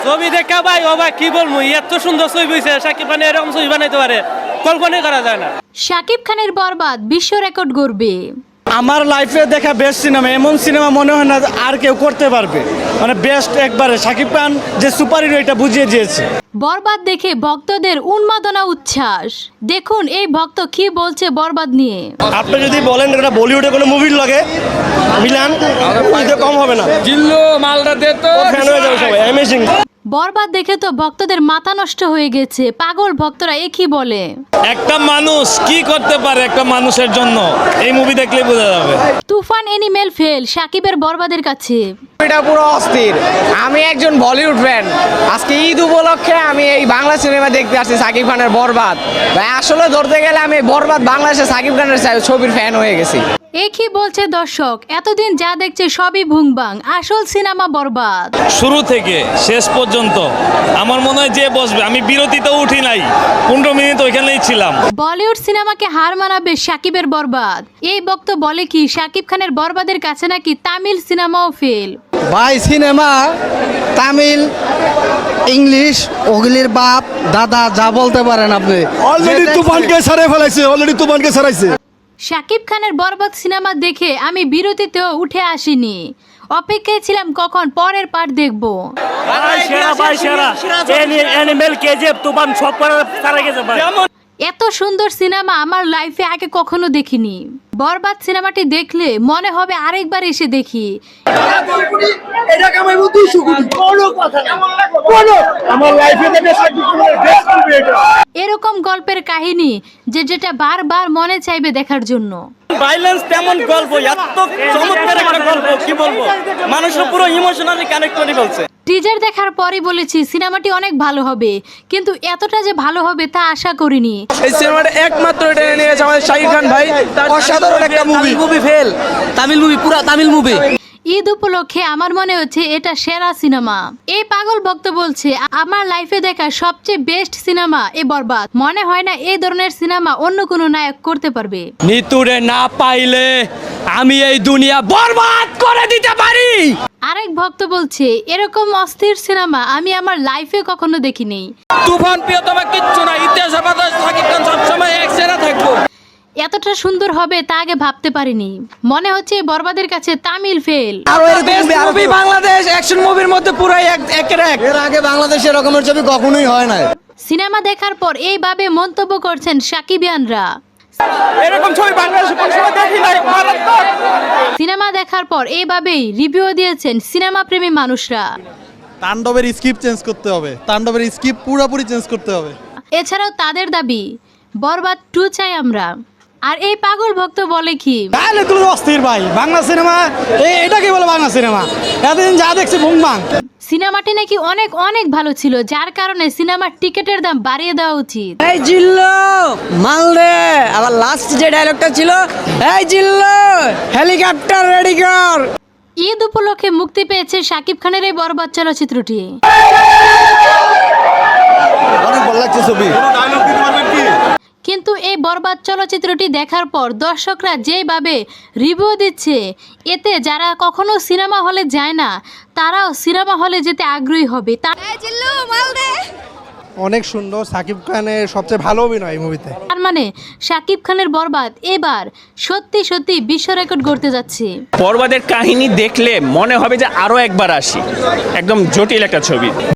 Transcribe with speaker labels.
Speaker 1: ছবি দেখা ভাই ও ভাই কি বলবো, এত সুন্দর ছবি হয়েছে, শাকিব খান এরকম ছবি বানাইতে পারে কল্পনাই করা যায় না।
Speaker 2: শাকিব খানের বরবাদ বিশ্ব রেকর্ড গড়বে।
Speaker 3: আমার লাইফে দেখা বেস্ট সিনেমা, এমন সিনেমা মনে হয় না আর কেউ করতে পারবে, মানে বেস্ট একবারে। শাকিব খান যে সুপার হিরো এটা বুঝিয়ে দিয়েছে।
Speaker 2: বরবাদ দেখে ভক্তদের উন্মাদনা উচ্ছ্বাস। দেখুন এই ভক্ত কি বলছে বরবাদ নিয়ে।
Speaker 3: আপনি যদি বলেন এটা বলিউডে কোনো মুভির লাগে মিলান, কম হবে না।
Speaker 4: জিল্লু মালটা দে তো,
Speaker 3: ফ্যান হয়ে যাবে সবাই, অ্যামেজিং।
Speaker 2: বরবাদ দেখে তো ভক্তদের মাথা নষ্ট হয়ে গেছে। পাগল ভক্তরা কি বলে।
Speaker 5: একটা মানুষ কি করতে পারে একটা মানুষের জন্য, এই মুভি দেখলেই বোঝা যাবে।
Speaker 2: তুফান এনিমেল ফেল শাকিবের বরবাদের কাছে।
Speaker 6: এটা পুরো অস্থির। আমি একজন বলিউড ফ্যান, আজকে ঈদ উপলক্ষে আমি এই বাংলা সিনেমা দেখতে আসছি শাকিব খানের বরবাদ। ভাই আসলে ধরতে গেলে আমি বরবাদ বাংলাদেশে শাকিব খানের ছবির ফ্যান হয়ে গেছি।
Speaker 2: কি বলছে দর্শক, এতদিন যা দেখছে সবই ভুংবাং, আসল সিনেমা বরবাদ।
Speaker 5: শুরু থেকে শেষ পর্যন্ত আমার মনে হয় যে বসবে, আমি বিরতিতেও উঠি নাই, 15 মিনিট ওইখানেই ছিলাম।
Speaker 2: বলিউড সিনেমাকে হার মানাবে শাকিবের বরবাদ। এই বক্তব্য বলে কি শাকিব খানের বরবাদের কাছে নাকি তামিল সিনেমাও ফেল।
Speaker 7: ভাই সিনেমা তামিল ইংলিশ ওগুলির বাপ দাদা যা বলতে পারেন আপনি।
Speaker 3: অলরেডি তুফানকে ছাড়াই ফেলাইছে, অলরেডি তুফানকে ছাড়াইছে।
Speaker 2: শাকিব খানের বরবাদ সিনেমা দেখে আমি বিরতিতেও উঠে আসিনি, অপেক্ষায় ছিলাম কখন পরের পার্ট দেখব। এত সুন্দর সিনেমা আমার লাইফে আগে কখনো দেখিনি। বরবাদ সিনেমাটি দেখলে মনে হবে আরেকবার এসে দেখি। এরকম গল্পের কাহিনী যেটা বারবার মনে চাইবে দেখার জন্য।
Speaker 1: ভাইলেন্স তেমন গল্প, এত চমৎকার একটা গল্প, কি বলবো, মানুষের পুরো ইমোশনালি কানেক্ট করে ফেলছে।
Speaker 2: টিজার দেখার পরই বলেছি সিনেমাটি অনেক ভালো হবে, কিন্তু এতটা যে ভালো হবে তা আশা করিনি।
Speaker 6: এই সিনেমাটা একমাত্র এটা নিয়েছে আমাদের শাকিব খান ভাই, অসাধারণ একটা মুভি ফেল, তামিল মুভি, পুরা তামিল মুভি।
Speaker 2: ঈদ উপলক্ষে আমার মনে হচ্ছে এটা সেরা সিনেমা। এই পাগল ভক্ত বলছে আমার লাইফে দেখা সবচেয়ে বেস্ট সিনেমা এ বরবাদ। মনে হয় না এই ধরনের সিনেমা অন্য কোনো নায়ক করতে পারবে।
Speaker 1: নিতুরে না পাইলে আমি এই দুনিয়া বরবাদ করে দিতে পারি।
Speaker 2: আরেক ভক্ত বলছে এরকম অস্থির সিনেমা আমি আমার লাইফে কখনো দেখিনি।
Speaker 4: তুফান প্রিয়তমা কিচ্ছু না, ইতিহাসে বাতাস শাকিব খান সবসময় এক সেরা থাকবো।
Speaker 2: এতটা সুন্দর হবে তা আগে ভাবতে পারিনি। মনে হচ্ছে বরবাদের কাছে Tamil fail.
Speaker 6: Movie Bangladesh action মুভির মধ্যে পুরাই একের এক।
Speaker 7: এর আগে বাংলাদেশে এরকমের ছবি কখনোই হয় না।
Speaker 2: সিনেমা দেখার পর এইভাবে মন্তব্য করছেন সাকিবিয়ানরা।
Speaker 1: এরকম ছবি বাংলাদেশে কোন সময় দেখি নাই, মারাত্মক।
Speaker 2: সিনেমা দেখার পর এইভাবেই রিভিউ দিয়েছেন সিনেমা প্রেমী মানুষরা।
Speaker 8: তাণ্ডবের স্ক্রিপ্ট চেঞ্জ করতে হবে, তাণ্ডবের স্ক্রিপ্ট পুরোপুরি চেঞ্জ করতে হবে।
Speaker 2: এছাড়াও তাদের দাবি বরবাদ 2 চাই আমরা। আর এই পাগল ভক্ত বলে কি,
Speaker 3: তাহলে তুই অস্থির ভাই, বাংলা সিনেমা এটা কি বলে বাংলা সিনেমা, এতদিন যা দেখছি ভুংবাং।
Speaker 2: সিনেমাটি নাকি অনেক অনেক ভালো ছিল, যার কারণে সিনেমার টিকিটের দাম বাড়িয়ে দেওয়া উচিত।
Speaker 6: এই জিল্লু মাল দে, আবার লাস্ট যে ডায়লগটা ছিল, এই জিল্লু হেলিকপ্টার রেডি কর।
Speaker 2: ঈদ উপলক্ষে মুক্তি পেয়েছে শাকিব খানের এই বরবাদ চলচ্চিত্রটি।
Speaker 7: অনেক ভালো লাগছে ছবি।
Speaker 2: কিন্তু এই বরবাদ চলচ্চিত্রটি দেখার পর দর্শকরা যেভাবে রিভিউ দিচ্ছে, এতে যারা কখনো সিনেমা হলে যায় না তারাও সিনেমা হলে যেতে আগ্রহী হবে।
Speaker 8: অনেক সুন্দর, সাকিব খানের সবচেয়ে ভালো অভিনয় এই মুভিতে।
Speaker 2: তার মানে শাকিব খানের বরবাদ এবার সত্যি সত্যি বিশ্ব রেকর্ড গড়তে যাচ্ছে।
Speaker 5: বরবাদের কাহিনী দেখলে মনে হবে যে আরো একবার আসি, একদম জটিল একটা ছবি।